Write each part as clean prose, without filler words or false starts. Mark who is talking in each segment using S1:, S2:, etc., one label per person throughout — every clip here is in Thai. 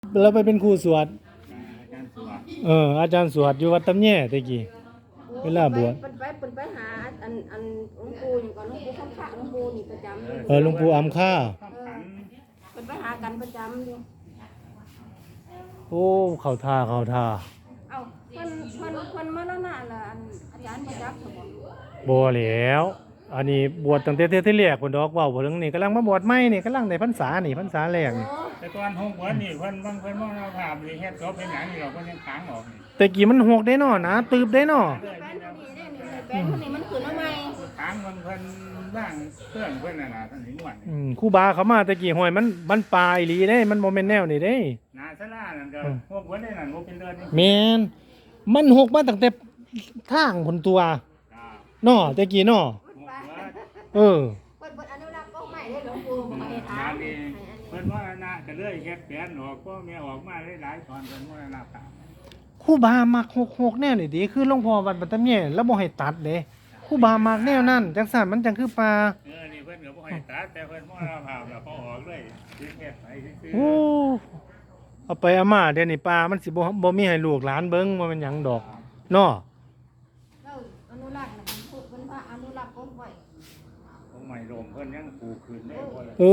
S1: เราไปเป็นครูสวด
S2: อาจารย์สวด
S1: อาจารย์สวดอยู่วัดตำแย่ตะกี้เวลาบวช
S3: เป็นไปหาอันหลวงปู่อย่างก่อนหลวงปู่ข้างข้างหลวงปู่นี่ประจำ
S1: หลวงปู่อำค่า
S3: เป็นไปหากันประจำอยู่
S1: โอ้เข้าท่า
S3: เอ้าเพิ่นมาแล้วน่ะล่ะอาจารย์ประจักษ์สม
S1: บ่แล้วอันนี้บวชตั้งแต่ที่แรกพุ่นดอกเว้าเรื่องนี้กำลังมาบวชใหม่นี่กำลังได้พรรษานี่พรรษาแรกนี่
S2: แต่ตอนหกวันนี่เพิ่นมองเราภาพนี่เฮ็ดจบเป็นหยังนี่เราเพิ่นยังค้างออกนี่
S1: แต่กี้มันหกได้เนาะนะตืบได้เนาะ
S3: แป้นคนนี้มันขึ้นมาใหม่
S2: ค้างเพิ่นบ้างเครื่องเพิ่นน่ะนะท่านนี่ม่วน
S1: ครูบาเขามาแต่กี้ห้อยมันปลายอีหลีเด้มันบ่แม่นแนวนี่เด้
S2: นาศาลานั่นก็หกวันได้นั่นบ่เป็นเดือนนี่
S1: แม่นมันหกมาตั้งแต่ทางพุ่นตัวเนาะแต่กี้เนาะ
S3: เพิ่นอนุรักษ์ก็ใหม่ได้หลวงปู่มาให้ถาม
S2: เพิ่นว่านะก็เลยเฮ็ดแผนออกก็แม่ออกมาหลายๆตอนเพิ่นว่านะครั
S1: ครูบามักหกแนวนี่ดีคือหลวงพ่อวัดบัดตำแย่แล้วบ่ให้ตัดเด้ครูบามักแนวนั้นจังซั่นมันจังคือปลา
S2: นี่เพิ่นก็บ่ให้ตัดแต่เพิ่นมองเราภาพแล้วพอออกเลยเฮ็ดไปซื่อ
S1: โอ้เอาไปเอามาเดี๋ยวนี้ปลามันสิบ่มีให้ลูกหลานเบิ่งว่ามันหยังดอกเนาะ
S3: แล้วอนุรักษ์น่ะเพิ่นว่าอนุรักษ์ก็ไว้
S2: ของใหม่ลมเพิ่นยังปลูกขึ้นได้บ่ล่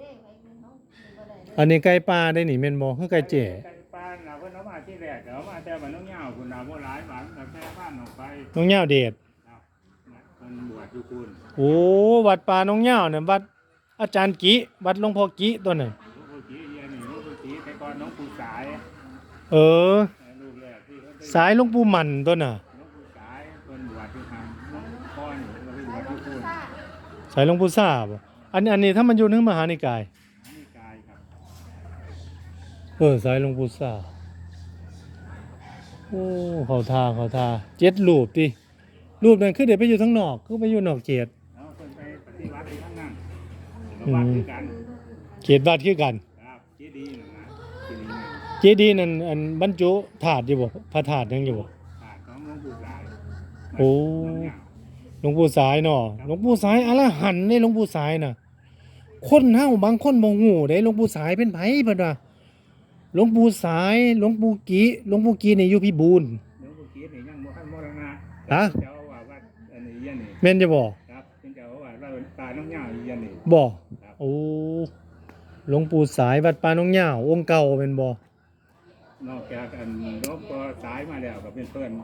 S1: ะอันนี้ไก่ปลาได้นี่แม่นบ่คือไก่เจ๋
S2: ไก่ปลาน่ะเพิ่นเอามาที่แรกเอามาแต่มันน้องเหย้าพุ่นน่ะบ่หลายบาทแต่แค่บ้านออกไป
S1: น้องเหย้าเดช
S2: เพิ่นบวชอยู่คุณ
S1: โอ้วัดป่าน้องเหย้าเนี่ยวัดอาจารย์กิวัดหลวงพ่อกิตัวนั้น
S2: หลวงปู่จีเฮียนี่หลวงปู่จีแต่ก่อนน้องปู่สายลูกแรกที่
S1: สายหลวงปู่มันตัวน่ะ
S2: หลวงปู่สายเพิ่นบวชอยู่ทางพ่อนี่เพิ่นไปบวชอยู่คุณ
S1: สายหลวงปู่ซ่าบ่อันนี้ถ้ามันอยู่ในมหานิกาย
S2: ครับ
S1: สายหลวงปู่ซ่าโอ้เขาทา7รูปติรูปนั้นคือเดี๋ยวไปอยู่ข้างนอกคือไปอยู่นอกเขต
S2: เพิ่นไปปฏิวัติที่ข้างนั้นวัดคือกัน
S1: เขตวัดคือกัน
S2: ครับเจดีย์นั่นนะ
S1: เจดีย์นั่นอันบรรจุธาตุอยู่บ่พระธาตุยังอยู่บ่
S2: ธาตุของหลวงปู่สาย
S1: โอ้หลวงปู่สายเนาะหลวงปู่สายอรหันต์นี่หลวงปู่สายน่ะคนเฮาบางคนบ่ฮู้เด้หลวงปู่สายเป็นไผเพิ่นว่าหลวงปู่สายหลวงปู่กีนี่อยู่พิบูล
S2: หลวงปู่กีนี่ยังบ่ทันมรณะ
S1: ฮะ
S2: เจ้าว่าวัดอันนี้ยันนี่
S1: แม่นจะบ่
S2: ครับเป็นเจ้าว่าวัดป่าน้องเหย้ายันนี่
S1: บ่โอ้หลวงปู่สายวัดป่าน้องเหย้าองค์เก่าเป็นบ่
S2: นอกจากอันหลวงปู่สายมาแล้วก็เป็นเพิ่น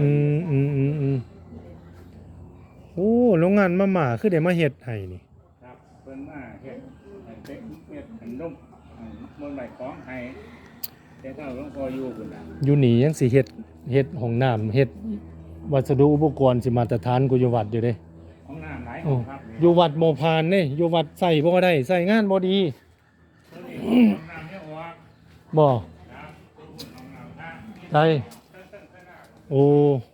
S1: โอ้โรงงานมาคือได้มาเฮ็ดให้นี่
S2: ครับเพิ่นมาเฮ็ดอันนมมนต์ใบของให้แต่ถ้าหลวงพ่ออยู่พุ่นน่ะ
S1: อยู่นี่ยังสิเฮ็ดห้องน้ำเฮ็ดวัสดุอุปกรณ์สิมาตรฐานกูอยู่วัดอยู่เด้
S2: ห้องน้ำหลายห้องครับ
S1: อยู่วัดบ่ผ่านเด้อยู่วัดใส่บ่ได้ใส่งานบ่ดี
S2: ห้องน้ำเนี่ย
S1: บ่
S2: ครับห้องน้ำท่า
S1: ใช่โอ้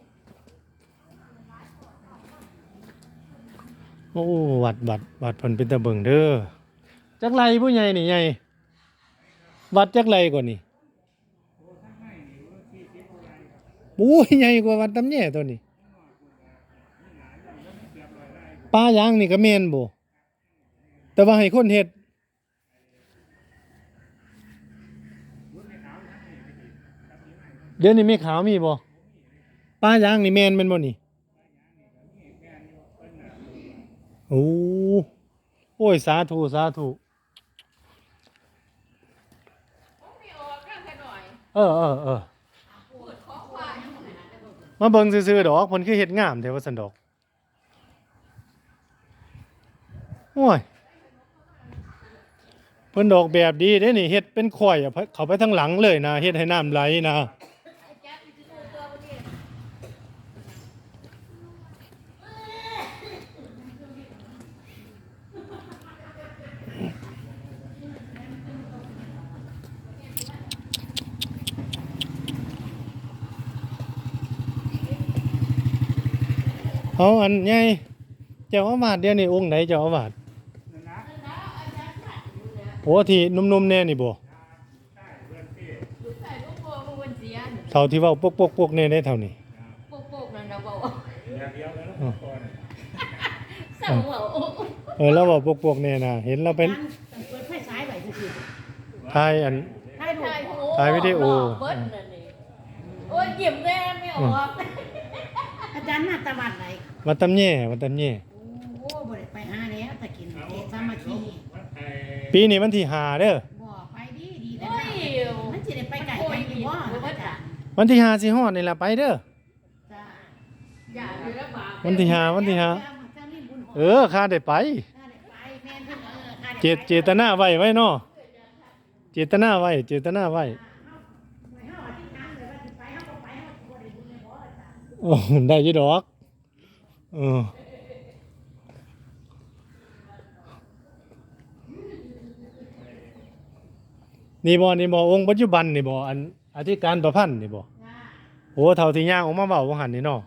S1: วัดเพิ่นเป็นตาเบิ่งเด้อจักไรผู้ใหญ่นี่ใหญ่วัดจักไรก่อนนี่โอ้ยใหญ่กว่าวัดตำแย่ตัวนี้ป่ายางนี่ก็แม่นบ่แต่ว่าให้คนเฮ็ดเดี๋ยวนี้มีขาวมีบ่ป่ายางนี่แม่นแม่นบ่นี่โอ้ยสาธุมาเบิ่งซื่อๆดอกเพิ่นคือเฮ็ดงามแท้ว่าซั่นดอกโอ้ยเพิ่นดอกแบบดีเด้นี่เฮ็ดเป็นข่อยเข้าไปทางหลังเลยนะเฮ็ดให้น้ำไหลนะเอาอันใหญ่เจ้าอาวาสเดี๋ยวนี้องค์ไหนเจ้าอาวาสโอ้ที่นุ่มๆแน่นี่บ่เท่าที่เว้าปกๆแน่ได้เท่านี้
S3: ปกนั่นน่ะเว้า
S1: แล้วเว้าปกๆแน่น่ะเห็นเราเป็น
S3: เปิดไฟฉายไว้ซื่อ
S1: ๆถ่ายอัน
S3: ถ่ายรูป
S1: ถ่ายวิดีโอ
S4: เบิดนั่นนี่โอ้ยยิ้มแน่ไม่ออก
S5: อาจารย์มาตะวันไหน
S1: วัดตำแย่วัดตำแย่
S5: โอ้บ่ได้ไปหาแล้วตะกินเกศสามัคคี
S1: ปีนี้วันที่5เด้อ
S5: บ่ไปดีดีแต่
S4: โอ้ย
S5: มันสิได้ไปไกลกันอยู่บ่อาจารย์
S1: วันที่5สิฮอดนี่ล่ะไปเด้อ
S5: จ้า
S4: อย่าอยู่ระบาด
S1: วันที่5วันที่5ข้าได้ไป
S5: ไปแม่นเพิ่นข้าได้ไป
S1: เจตนาไว้เนาะเจตนาไว้
S5: ไปเฮาอธิษฐานเลยว่าสิไปเฮาบ่ไปเฮาบ่ได้บุญเลยบ่อาจารย์
S1: โอ้ได้อยี่ดอกเออนี่บ่องค์ปัจจุบันนี่บ่อันอธิการประพันธ์นี่บ่
S5: จ้า
S1: โอ้เท่าที่ย่างออกมาเว้าว่าหั่นนี่เนาะ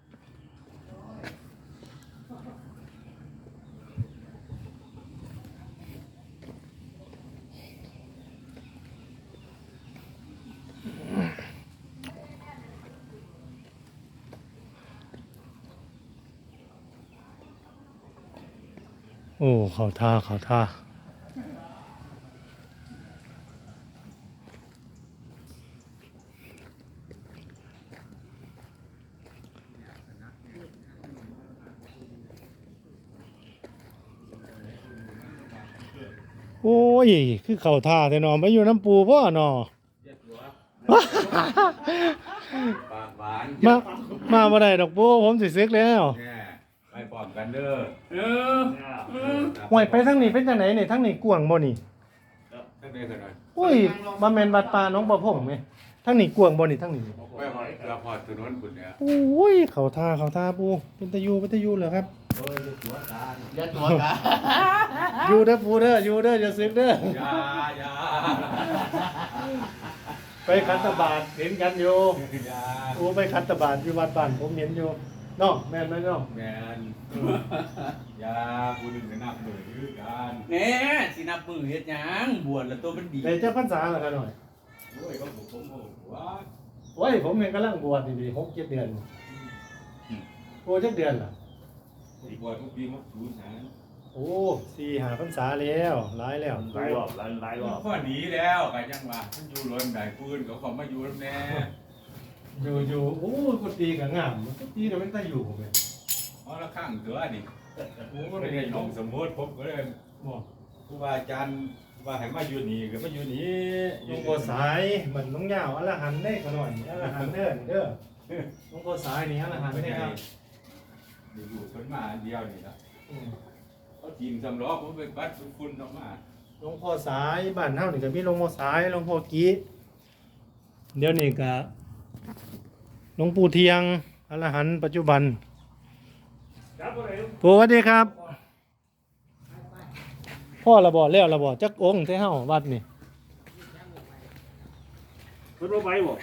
S1: โอ้เข้าท่าโอ้ยคือเข้าท่าแต่เนาะไปอยู่น้ำปูพ่อเนาะ
S6: ปากหวาน
S1: มาบ่ได้ดอกปูผมสิซึกแล้ว
S6: แน่ไปพร้อมกันเด้อ
S1: ห่วยไปทางนี้เป็นจังไหนนี่ทางนี้กว้างบ่นี่
S6: ตั้งแต่กันหน่อย
S1: โอ้ยบ่แม่นวัดป่าหนองบ่พงแม่ทางนี้กว้างบ่นี่ทางนี้
S6: ไปหอยกระพอดถนนคุณเนี่ย
S1: โอ้ยเข้าท่าปูเป็นตะยูเหรอครับ
S7: ยัดตัวกัน
S1: อยู่เด้อปูเด้ออยู่เด้ออย่าซึกเด้อ
S6: อย่า
S1: ไปคัตบาทเห็นกันอยู่
S6: อย่า
S1: โอ้ไปคัตบาทอยู่วัดบ้านผมเห็นอยู่เนาะแม่นไหมเนาะ
S6: แมนอย่าพูดถึงนับมือยื้อกัน
S7: แน่สินับมือเฮ็ดหยังบวชแล้วตัวมันดี
S1: ได้เจ้าพรรษาแล้วกันหน่อย
S6: โอ้ยก็ผมว่า
S1: โอ้ยผมเองกำลังบวชดีๆ6-7 เดือนโอ้จักเดือนล่ะ
S6: บวชทุกปีมักสูญหาย
S1: โอ้4-5 พรรษาแล้วหลายแล้ว
S2: หลายรอบหลายรอบ
S6: ข้อหนีแล้วกันยังว่ามันอยู่ล้นได้ปืนเขาขอมาอยู่แล้วแน่
S1: อยู่โอ้ยกุฏิก็งามกุฏิน่ะมันตาอยู่แม่
S6: เพราะละข้างเถือนี่
S1: โอ้มัน
S6: ไม่
S1: เป็น
S6: ได้
S1: ไง
S6: ย
S1: น้อง
S6: งสมมติผมก็เลย
S1: บ่
S6: ครูบาอาจารย์ว่าให้มาอยู่นี่ก็มาอยู่นี่
S1: หลวงพ่อสายมันน้องยาวอรหันต์ได้ก็หน่อยอรหันต์เด้อนี่เด้อหลวงพ่อสายนี่อรหันต์ได้ครับ
S6: อยู่คนมาอันเดียวนี่ละ
S1: อืม
S6: เขาทีมสำล้อผมไปบัดคุณออกมา
S1: หลวงพ่อสายบ้านเฮานี่ก็มีหลวงพ่อสายหลวงพ่อกี้เดี๋ยวนี้ก็หลวงปู่เทียงอรหันต์ปัจจุบัน
S2: ครับบ่ได้
S1: ปู่สวัสดีครับพ่อระบ่แล้วระบ่จักองค์ที่เฮาวัดนี่
S2: เพิ่นบ่ไปบ่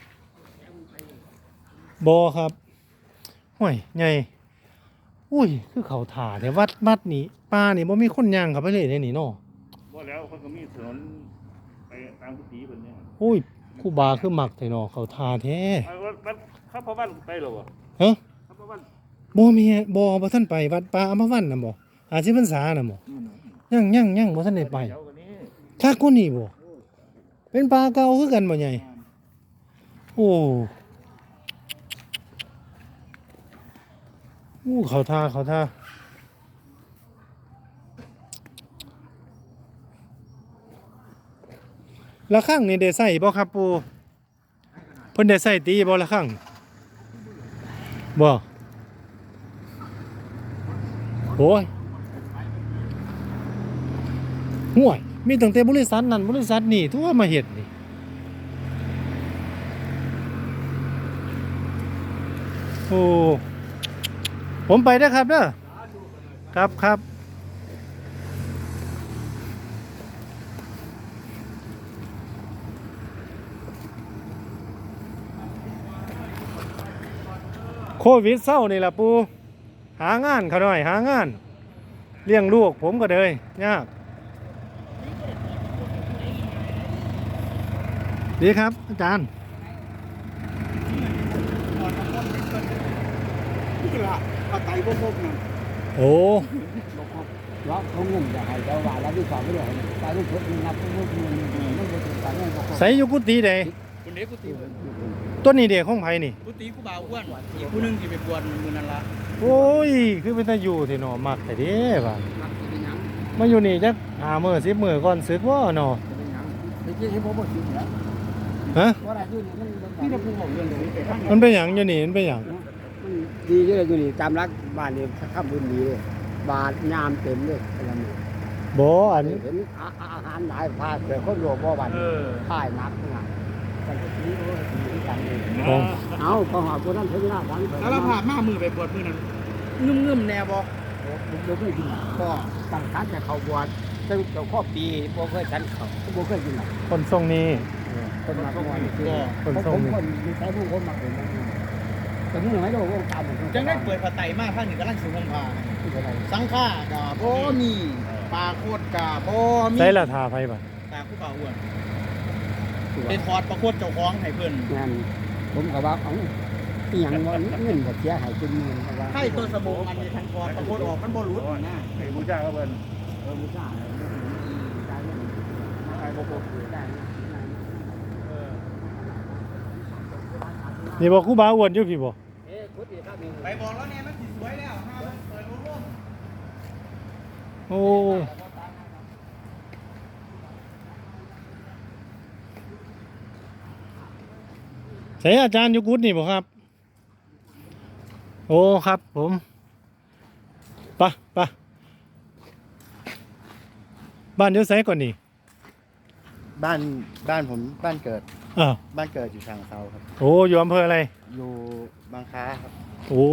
S1: บ่ครับห้วยใหญ่อุ้ยคือเขาถ่าแต่วัดนี่ป่านี่บ่มีคนย่างเข้าไปเลยเด้นี่เนาะ
S2: บ่แล้วเพิ่นก็มีถนนไปตามกุฏิเพิ่นเนี่ย
S1: อุ้ยครูบาคือมักแต่เนาะเขาถ่าแท้
S2: วัดครับพ่อบ้านไปหรอวะ
S1: ฮะ
S2: ครับพ่อบ้าน
S1: บ่มีบ่ทันไปวัดป่าอำภาวันน่ะบ่50พรรษาน่ะบ่ยังบ่ทันได้ไป
S2: เดี๋ยวกันนี้
S1: คักกว่านี้บ่เป็นป่าเก่าคือกันบ่ใหญ่โอ้เขาท่าละครั้งนี่ได้ใส่บ่ครับปู่เพิ่นได้ใส่ตีบ่ละครั้งบ่โอ้ยห่วยมีตั้งแต่บริษัทนั้นบริษัทนี้ทั่วมาเฮ็ดนี่โอ้ผมไปเด้อครับเด้อครับโควิดเศร้านี่ล่ะปูหางานเขาหน่อยหางานเลี้ยงลูกผมก็เลยยากดีครับอาจารย์
S7: นี่ล่ะเอาไตบ่พบนั่น
S1: โอ้
S7: ว่าเขางุ่มจะให้เจ้าว่าแล้วที่สองไม่ได้ให้ตายลูกคนนับพวกมันบ่ถึงตายแม่ก็
S1: ใส่อยู่กุฏิใด
S7: คุณเด็กกูตี
S1: ต้นนี้เด็กของไผนี่
S7: กูตีกูบ่าวอ้วนอีกผู้นึงที่ไปบวชมือนั่นละ
S1: โอ้ยคือเป็นตาอยู่ที่เนาะมักแต่เด้บ่า
S7: มักสิเป็นหยัง
S1: มาอยู่นี่จัก5มื้อ10มื้อก่อนสึกบ่เนาะ
S7: เป็นหยังไปกินให้ผมบ่กินแล้ว
S1: ฮะ
S7: ว่าอะไรอยู่นี่มันพี่จะพูดบอกเรื่องนี้ไปทั้ง
S1: มันเป็นหยังอยู่นี่มันเป็นหยัง
S8: มันดีเยอะอยู่นี่จำรักบ้านนี่ข้ามบุญดีเลยบาทยามเต็มเลยอะไรนี่
S1: บ่อัน
S8: เห็นอาหารหลายภาคเกิดคนโลภบ่บันค่ายนักนะกันก็ดีโอ้ยดีกันเลย
S1: ของ
S8: เอาก็หาคนนั้นถึงหน้าวัน
S7: แล้วเราผ่ามามือไปบวชมือนั้นงึมๆแน่บ่
S8: เราเคยกินก็ตั้งคันจะเข้าบวชตั้งแต่ข้อปีบ่เคยฉันเขาบ่เคยกินหรอก
S1: คนทรงนี้
S8: คนมาบวชคือ
S1: คน
S8: ผ
S1: ทรง
S8: ม
S1: นี้
S8: คนมีใช้ผู้คนมาเป็นแต่นี่ไม่ได้วงการผม
S7: จังได้เปิดผ้าไตรมาข้างนี้กำลังสิห่มผ้าสังฆาก็บ่มีปลาโคตรก็บ่มี
S1: ใส่ละทาไผบ่
S7: ตาผู้บ่าวอ้วนเป็นทอดปลาโคตรเจ้าของให้เพิ่น
S8: งานผมก็ว่าเอาอีหยังบ่เงินก็เสียหายจนเงินว่า
S7: ให้ตัวสมองอันนี้ทันทอดปลาโคตรออกมันบ่หลุดนะ
S2: ให้บูชาก็เพิ่น
S8: บูชาได้เงินได้บ่ได้
S1: นี่บ่ครูบาอ้วนอยู่พี่บ่
S7: ไปบอกแล้วเนี่ยมันสิสวยแล้วห้ามเปิดโล่ง
S1: โอ้ใส่อาจารย์อยู่กุฏนี่บ่ครับ โอ้ครับผมไปไปบ้านอยู่ไสก่อนนี่
S8: บ้านผมบ้านเกิด
S1: อ้าว
S8: บ้านเกิดอยู่ทางเซาครับ
S1: โอ้อยู่อำเภออะไร
S8: อยู่บางค้าครับ
S1: โอ้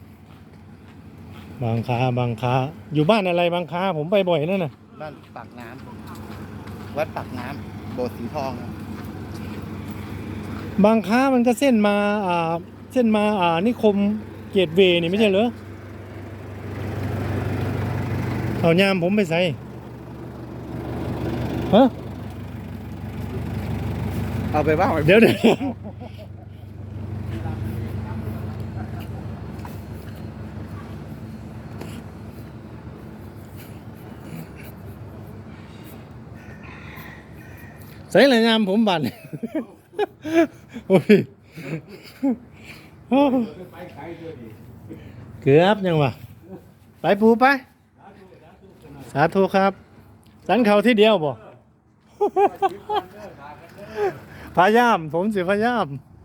S1: บางค้าบางค้าอยู่บ้านอะไรบางค้าผมไปบ่อยนั่นน่ะ
S8: บ้านปากน้ำวัดปากน้ำโบสถ์สีทองครับ
S1: บางค้ามันก็เส้นมาเส้นมานิคมเกตเวย์นี่ไม่ใช่เหรอเอายามผมไปใส่ฮะ
S8: เอาไปว่า
S1: เดี๋ยวใส่ละยามผมบัน โอ้ยเกือบยังวะไปปูไป สาธุครับ สันเขาที่เดียวบ่ พยายามผมสิพยายาม